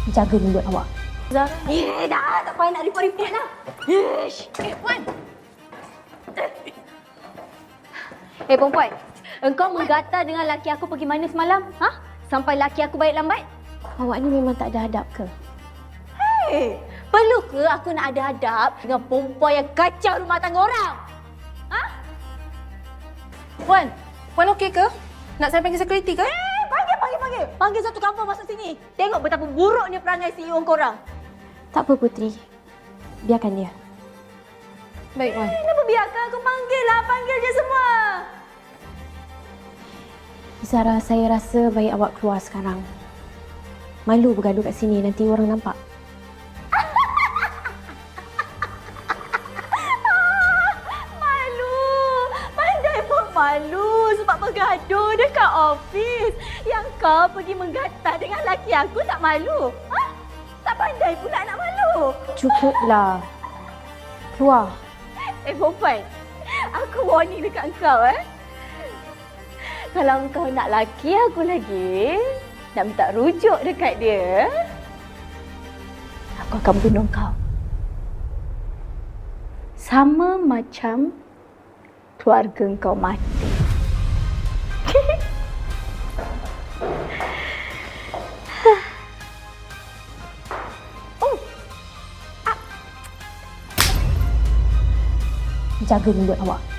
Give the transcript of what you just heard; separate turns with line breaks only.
Jaga mulut awak.
Zara. Dah. Tak payah nak report-report lah. Puan. Perempuan. Engkau menggatal dengan laki aku pergi mana semalam? Ha? Sampai laki aku balik lambat?
Awak ni memang tak ada adab ke?
Perlu ke aku nak ada adab dengan perempuan yang kacau rumah tangga orang? Ha?
Puan okey ke? Nak saya panggil security ke?
Panggil. Panggil satu kampung masuk sini. Tengok betapa buruknya perangai CEO korang.
Tak apa Putri. Biarkan dia.
Baik, Puan.
Kenapa biarkan aku panggil lah? Panggil je semua.
Zara, saya rasa baik awak keluar sekarang. Malu bergaduh kat sini, nanti orang nampak.
Malu. Pandai pun malu sebab bergaduh dekat ofis. Yang kau pergi menggatal dengan laki aku tak malu. Ha? Tak pandai pula nak malu.
Cukuplah. Keluar.
Perempuan. Aku warning dekat kau Kalau kau nak laki aku lagi, nak minta rujuk dekat dia, aku akan bunuh kau. Sama macam keluarga kau mati.
Jaga mulut awak.